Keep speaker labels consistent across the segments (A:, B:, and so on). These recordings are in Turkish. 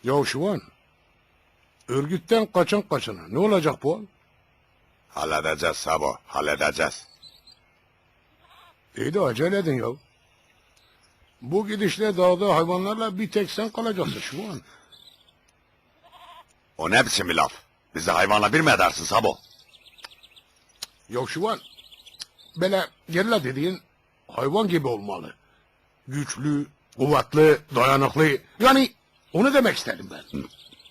A: Ya Şivan, örgütten kaçan kaçana ne olacak bu?
B: Halledeceğiz Sabo, halledeceğiz.
A: İyi de acele edin ya. Bu gidişle dağda hayvanlarla bir tek sen kalacaksın Şivan.
B: O ne biçim bir laf? Bizi hayvanla bir mi edersin Sabo?
A: Ya Şivan, böyle gerilla dediğin hayvan gibi olmalı. Güçlü, kuvvetli, dayanıklı. Yani onu demek istedim ben.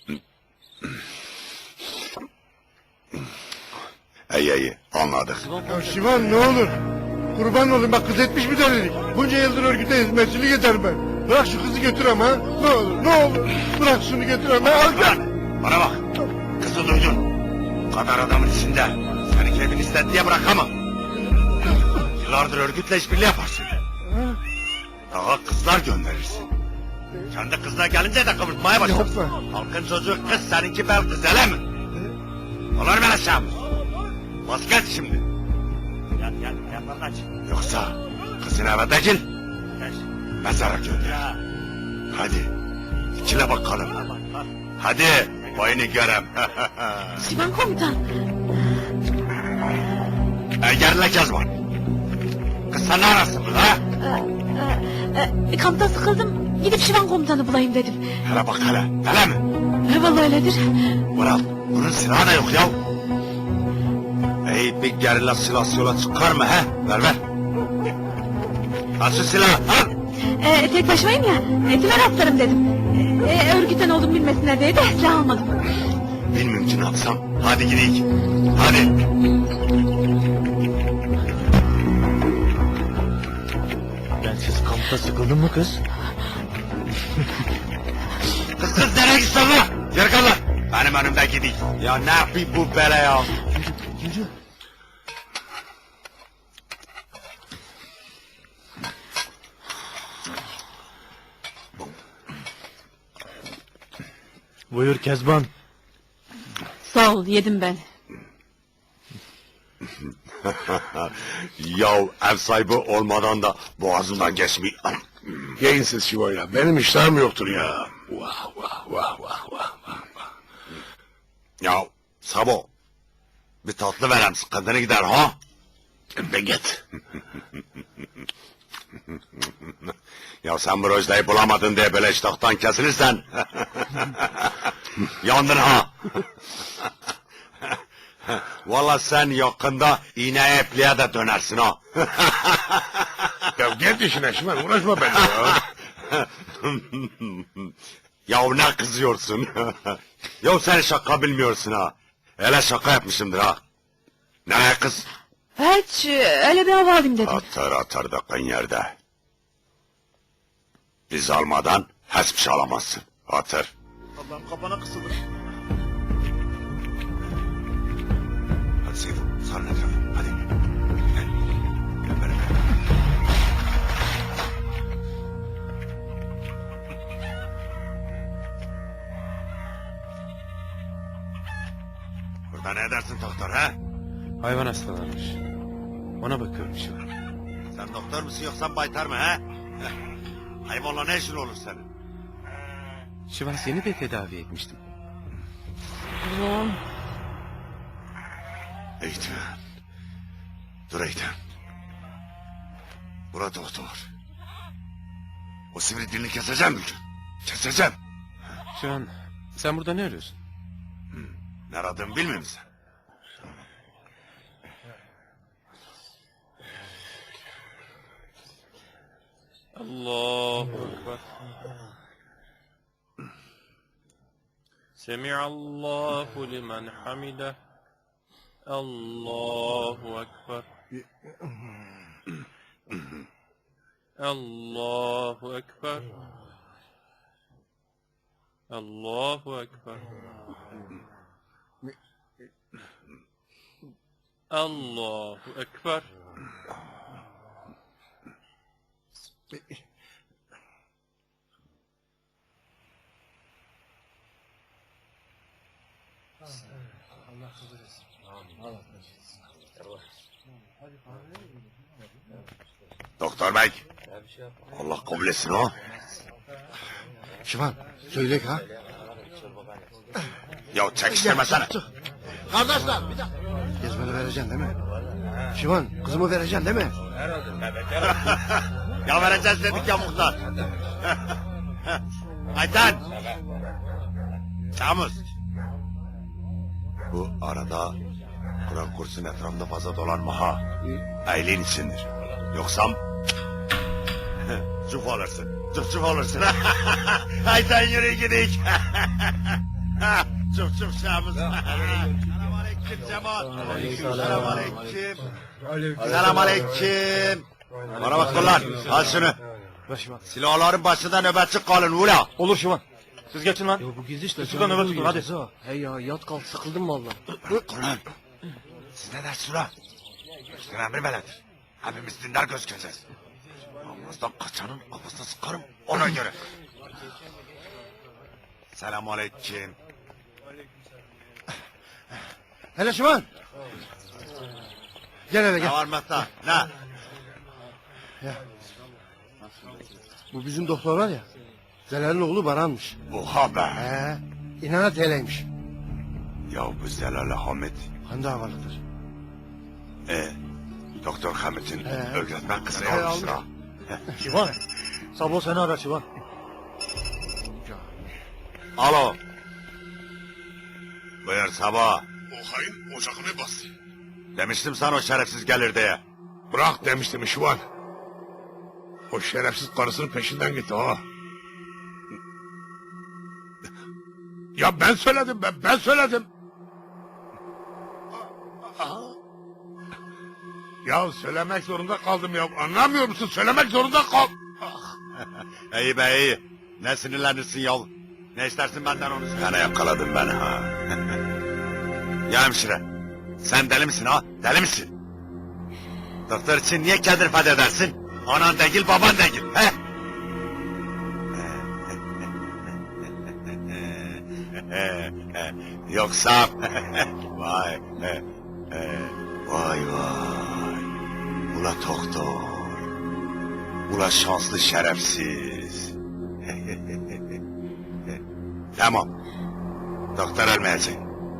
B: İyi, anladık.
C: Ya Şivan ne olur. Kurban olayım bak kız etmiş mi delilik. Bunca yıldır örgüte hizmetçilik eder ben. Bırak şu kızı götür ama ha. Ne olur ne olur. Bırak şunu götür ama. Al gel.
B: Bana bak, kızı duydun. Bu kadar adamın içinde seni keyfin istedi diye bırakamam. Yıllardır örgütle işbirliği yaparsın. Daha kızlar gönderirsin. Kendi kızına gelince de kıvırtmaya başlarsın.
C: Yapma.
B: Halkın çocuğu kız, seninki bel kız, öyle mi? Olur mu aşağı? Vazgeç şimdi. Yoksa kızın eve değil, mezara gönder. Hadi, ikile bakalım. Hadi, boyunu görem.
D: Şivan komutan.
B: Gerle Kezban. Kız sen ne arasın burada ha?
D: Kampta sıkıldım. Gidip Şivan komutanı bulayım dedim.
B: Hele bak hele, hele mi?
D: Vallahi öyledir.
B: Vural, bunun silahı da yok ya. Bir gerilla silahı yola çıkar mı he? Ver. Al şu silahı, al.
D: Tek başımayım ya. Kime rastlarım dedim. Örgütten olduğumu bilmesinler diye de silah almadım.
B: Bilmiyorum ki ne yapsam. Hadi gidelim. Hadi.
E: Bensiz kampta sıkıldın mı kız?
B: Kız nereye gitsin lan? Geri kal lan. Benim önümde gideyim. Ya ne yapayım bu bele ya?
E: Yürü. Buyur Kezban.
D: Sağ ol yedim ben.
B: Ya ev sahibi olmadan da boğazımdan geçmiyor.
A: Yiyin siz Şivan ya. Benim iştahım yoktur ya. Vah.
B: Ya Sabo, bir tatlı verem sıkıntını gider ha?
A: Be git.
B: Ya sen bu Rojda'yı bulamadın diye böyle iştahtan kesilirsen... Yandın ha! Vallahi sen yakında iğneye epliğe de dönersin ha!
A: Ya git işine Şivan. Uğraşma benimle ya.
B: Ya ne kızıyorsun? Ya sen şaka bilmiyorsun ha! Hele şaka yapmışımdır ha! Ne kız?
D: Hiç öyle bir hava alayım dedim.
B: Atar dakikın yerde. Biz almadan hiçbir şey alamazsın. Atır.
C: Allah'ım kafana kısıldı.
B: Hadi Seyfo, sarın etrafı. Hadi. Gel. Gel beraber. Burada ne edersin doktor ha?
E: Hayvan hastalanmış. Ona bakıyorum şu an.
B: Sen doktor musun yoksa baytar mı ha? Hayvanla ne işin olur senin?
E: Şivan seni de tedavi etmiştim.
B: Eğitim. Dur eğitim. Bura doktor. O sivri dilini keseceğim bugün. Keseceğim.
E: Şu an sen burada ne arıyorsun?
B: Ne aradığımı bilmiyor musun?
F: Allahu Ekber. Semi'allahu limen hamide. Allahu Ekber. Allahu Ekber. Allahu Ekber. Allahu Ekber.
B: Doktor bey. Allah kabul etsin ha.
C: Şivan söyle ha.
B: Ya çekiştirmesene.
A: Kardeşler bir dakika.
C: Gezmeni vereceksin değil mi? Şivan kızımı vereceksin değil mi?
B: Ya vereceğiz dedik ya muhtar. Ayten. Çamuz. Bu arada Kur'an kursunun etrafında fazla dolanma ha. Eylin içindir. Yoksa cuf olursun. Cuf olursun. Ayten yürü gidik. Cuf Çamuz. Selamünaleyküm Cemal. Selamünaleyküm. Selamünaleyküm. Bana bak kullar. Al şunu.
C: Ver Şivan.
B: Silahların başında nöbetçi kalın ula.
C: Olur Şivan. Siz geçin lan.
G: Ya bu gizli işte.
C: Şuradan nöbet tutun hadi.
G: Hey ya yat kalk sıkıldım valla.
B: Bırak ulan. Siz ne dersiniz ulan? Üstün emri beledir. Hepimiz dindar göz gözez. Namazdan kaçanın kafasına sıkarım ona göre. Selamünaleyküm.
C: Hele Şivan. Gel hele
B: Ne
C: gel.
B: var Mehta? Ne?
C: Bu bizim doktor var ya. Zelal'in oğlu Baran'mış.
B: Oha be.
C: İnanat heleymiş.
B: Ya bu Zelal Hamit.
C: Hande havalıdır.
B: Doktor Hamit'in öğretmen kızını
C: He,
B: almıştır ha.
C: Şivan. Sabah seni arar Şivan.
B: Alo. Buyur Sabah.
A: O hain ocağını bastı.
B: Demiştim sana o şerefsiz gelir diye.
A: Bırak demiştim Şivan. O şerefsiz karısının peşinden gitti ha. Ya ben söyledim ben söyledim. Ya söylemek zorunda kaldım ya. Anlamıyor musun? Söylemek zorunda kal.
B: İyi be iyi. Ne sinirlenirsin yav. Ne istersin benden onu söyle. Gene yakaladın beni ha. Ya hemşire. Sen deli misin ha? Deli misin? Doktor için niye kendini feda edersin? Anan değil baban değil. He? Yoksa vay vay vay. Ula doktor. Ula şanslı şerefsiz. Tamam. Doktor ölmeyecek.